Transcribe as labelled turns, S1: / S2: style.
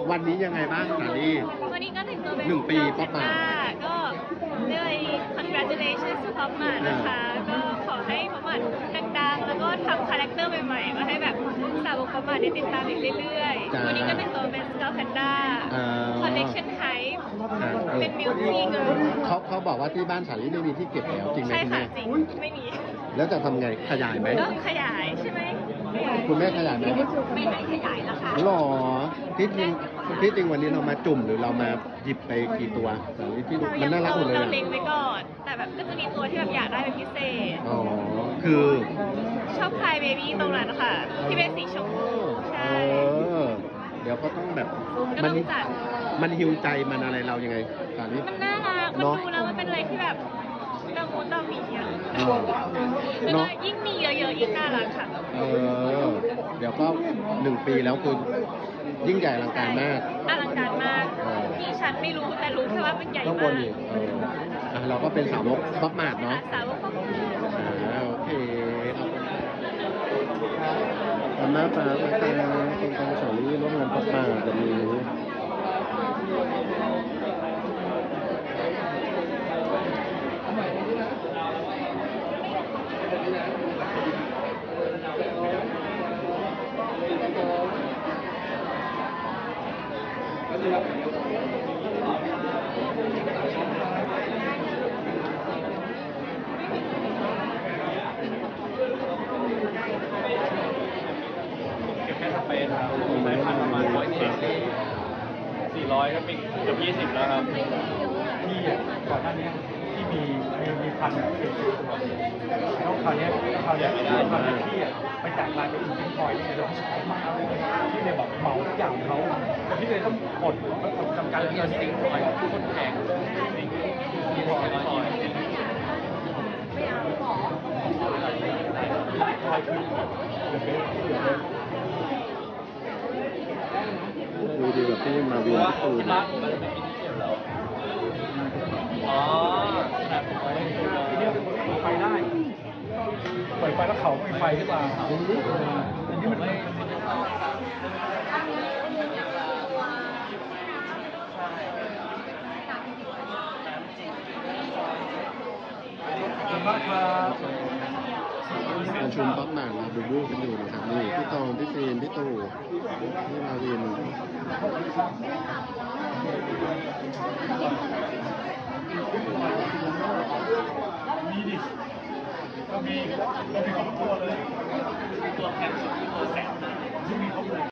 S1: วันนี้ยังไงบ้างสาลี่
S2: วันนี้ก็ถึงตัวเป็น
S1: 1 ปีป๊อปมา
S2: ก็เรียกว่า congratulations to ป๊อปมานะคะก็ขอให้ป๊อปมาดังๆแล้วก็ทำคาแรคเตอร์ใหม่ๆมาให้แบบสาวกป๊อปมาได้ติดตามอีกเรื่อยๆวันนี้ก็เป็นตัวเป็น Scout Panda Collection Type เป็นบิวตี้เกิร์ล
S1: เขาบอกว่าที่บ้านสาลี่ไม่มีที่เก็บแล้วจริงไหม
S2: ใช่
S1: คุณ
S2: ค่ะ
S1: แม่
S2: จริงไม่มี
S1: แล้วจะทำไงขยายไหม
S2: ก็ขยายใช่ไหม
S1: คุณแม่ขยายไหม
S2: ไม่ให้ขยายแล้วค่ะ
S1: หรอที่จริงวันนี้เรามาจุ่มหรือเรามาหยิบไปกี่ตัวสาลี่ที่มันน่ารักหมดเลย
S2: เราเล็งไว้ก่อนแต่แบบก็จะมีตัวที่แบบอยากได้เป็นพิเศษ
S1: อ๋อคือ
S2: ชอบพายเบบี้ตรงนั้นค่ะที่เป็นสีชมพูใช่
S1: เดี๋ยวก็ต้องแบบ
S2: มัน
S1: ฮิวใจมันอะไรเรายังไงสาลี่
S2: มันน่ารักมันดูแล้วมันเป็นอะไรที่แบบตะมูตะมีอ่ะแล้วก็ยิ่งมีเยอะๆยิ่งน่ารักค่ะ
S1: เดี๋ยวก็1 ปีแล้วคุณยิ่งใหญ่อลังการมาก
S2: อลังการมากที่ฉันไม่รู้แต่รู้แค่ว่ามันใหญ่มาก
S1: ต้องวนอีกเราก็เป็นสาวกป๊อปมาร์ทเนาะ
S2: สาวกป๊อปมา
S1: ร์ทโอเคขอบคุณมากครับคุณตองสาลี่ร่วมงานป๊อปมาร์ทวันนี้
S3: เป็นสายพันธุ์ประมาณ400ก็เป็นเกือบ20แล้วครับ
S4: ที่ก่อนหน้านี้ที่มีพัน40 ตัวแล้วคราวนี้พันที่ไปจ่ายรายไปอีกเป็นพอยเนี่ยเราชอบมากเลยที่เลยแบบเหมาทุกอย่างเขาที่เลยต้องกดจำกัดเงินสิ่งพอยคนแพงสิ่งที่พอย
S1: ดูดีแบบที่มาวินตูน
S3: อ๋อ
S4: ทีนี้ไฟได้เปิดไฟแล้วเขามีไฟขึ้นมาอันนี้มันมากครับ
S1: ประชุมป๊อปมาร์ทมาบูบูกันอยู่นะครับนี่พี่ตองพี่ฟีนพี่ตู่พี่มาวิน
S4: มีดิก็มีครบตัวเลยตัวแพงสุดตัวแสนที่มีครบเลย